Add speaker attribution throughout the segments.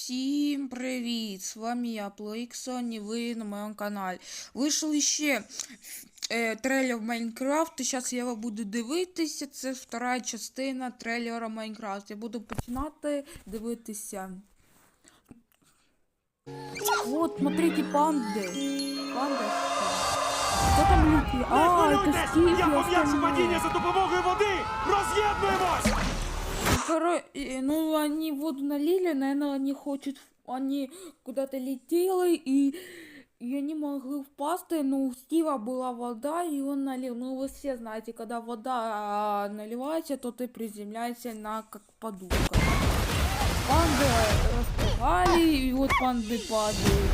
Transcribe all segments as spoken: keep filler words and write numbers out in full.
Speaker 1: Всім привіт! З вами я, Плоіксон, і ви на моєму каналі. Вийшов ще е, трейлер Майнкрафт, і зараз я буду дивитися. Це втора частина трейлера Майнкрафт. Я буду починати дивитися. Вот, смотрите, панди. Панди. Хто там літає? А, це Стів.
Speaker 2: Я пов'язую падіння за допомогою води! Роз'єднуємось!
Speaker 1: Коро... Ну, они воду налили, наверное, они хотят... Они куда-то летели, и... и они могли впасти, но у Стива была вода, и он налил. Ну, вы все знаете, когда вода наливается, то ты приземляешься на как подушка. Панды распугали, и вот панды падают.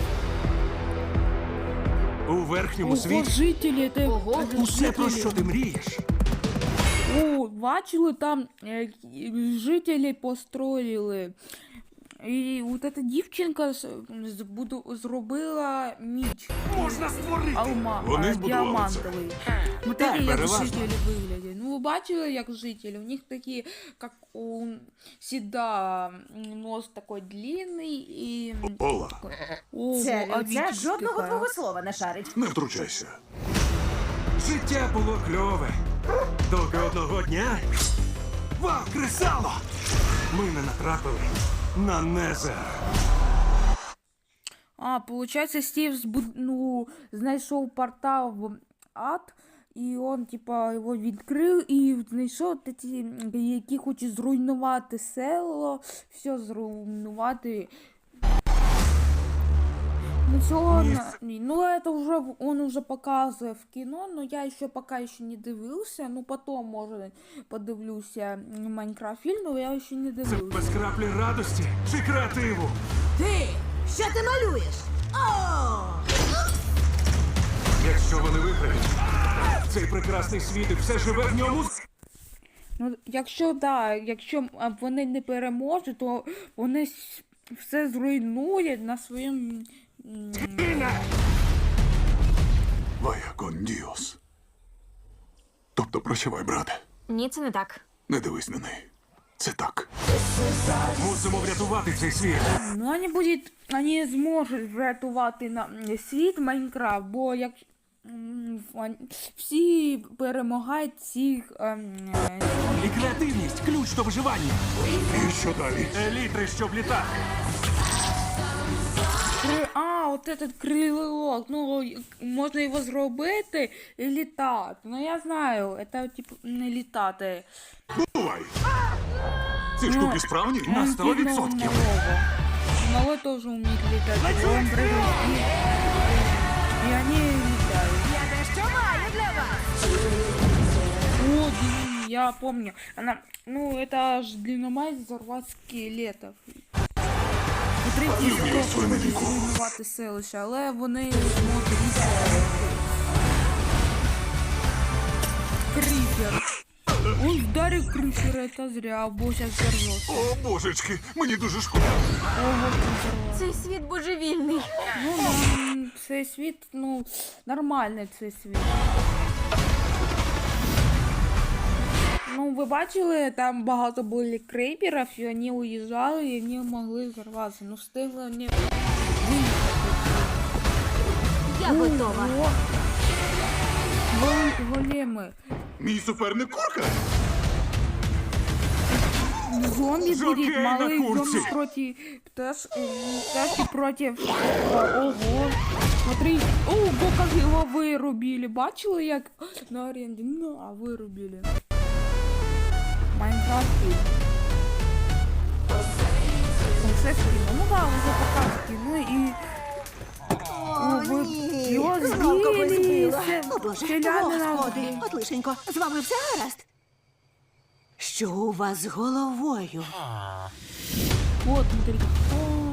Speaker 2: У верхньому
Speaker 1: Ого,
Speaker 2: світі
Speaker 1: жителі, це...
Speaker 2: Ого, усе, про що ти мрієш.
Speaker 1: О, бачили, там е, жителі построїли. І от эта дівчинка з- збуду- зробила міч.
Speaker 2: Можна створити!
Speaker 1: Алма,
Speaker 3: Вони
Speaker 1: а,
Speaker 3: збудували це.
Speaker 1: діамантовий. Смотрите, як
Speaker 2: переважно.
Speaker 1: жителі виглядять. Ну, ви бачили, як жителі? У них такі, як у Сіда, нос такой длинний і...
Speaker 3: Ола,
Speaker 1: Ого,
Speaker 4: Це
Speaker 1: а
Speaker 4: людця
Speaker 1: вічка
Speaker 4: жодного
Speaker 1: така.
Speaker 4: твого слова не шарить.
Speaker 3: не втручайся.
Speaker 2: Життя було кльове. Доки одного дня... Вау, кресало! Ми не натрапили на Незер.
Speaker 1: А, получается, Стив збуд... ну, знайшов портал в ад, і он, типа, його відкрив і знайшов ті, які хочуть зруйнувати село, все зруйнувати. Ну, цього,
Speaker 2: Місце.
Speaker 1: ні, ну, это уже, в- он уже показує в кіно, но я ще поки ще не дивився, ну, потом, може, подивлюся Майнкрафт фільм, но я ще не
Speaker 2: Це
Speaker 1: дивився.
Speaker 2: без краплі радості чи креативу.
Speaker 4: Ти! Що ти малюєш? О!
Speaker 2: Якщо вони виграють, цей прекрасний світ і все живе в ньому...
Speaker 1: Ну, якщо да, якщо а, вони не переможуть, то вони с- все зруйнують на своєму. м,
Speaker 3: Вая кон діос. Тобто прощавай, брате.
Speaker 5: Ні, це не так.
Speaker 3: Не дивись на неї. Це так.
Speaker 2: Мусимо врятувати цей світ.
Speaker 1: Ну, вони будуть, вони зможуть врятувати на м, світ Майнкрафт, бо як м, вон- всі перемагають всіх. ем, е,
Speaker 2: І креативність – ключ до виживання.
Speaker 3: І що далі?
Speaker 2: Елітри, щоб літати.
Speaker 1: кри- А, от этот крилок, ну й- можна його зробити і літати. Ну я знаю, це типу не літати.
Speaker 3: Бувай! Ці штуки справні?
Speaker 2: На сто відсотків.
Speaker 1: Малой тоже умеет летать. Он прыгает и, и они летают.
Speaker 4: Я дещо маю для вас.
Speaker 1: О, блин, я помню. Она, ну, это ж динамайт взорвать скелетов. Смотрите,
Speaker 3: Люблю
Speaker 1: хто
Speaker 3: свою
Speaker 1: хоче
Speaker 3: новинку.
Speaker 1: зруйнувати селище, але вони зможуть літати. Крипер. Он вдарив крипера, это зря, бо сейчас взорвется.
Speaker 3: О, божечки, мені дуже шкода.
Speaker 1: Ого, взорвался.
Speaker 5: Цей світ божевільний.
Speaker 1: Ну, нам цей світ, ну, нормальний цей світ. Ну, ви бачили, там багато було крейперів, і вони уїжджали, і вони могли взорватися. Ну, встигли вони виїхати.
Speaker 5: Я готова.
Speaker 1: Ого. Гол- Големи.
Speaker 3: Мій суперник курка?
Speaker 1: Зомби
Speaker 2: Жокей
Speaker 1: будет,
Speaker 2: на
Speaker 1: малый
Speaker 2: курсе.
Speaker 1: зомби против пташ, э, пташки против. Ого. Смотри, ого, как его вырубили. Бачили, як на аренді? Ну, а вырубили. Майнкрафт. Це скіно. Ну да, уже пока скіно і...
Speaker 4: О,
Speaker 1: ви-
Speaker 4: ні.
Speaker 1: його
Speaker 4: Знов когось
Speaker 1: збили.
Speaker 4: збила.
Speaker 1: Це
Speaker 4: О, Боже,
Speaker 1: селянина
Speaker 4: господи.
Speaker 1: вбили.
Speaker 4: От лишенько, з вами все гаразд? Що у вас з головою?
Speaker 1: Вот, смотрите. О,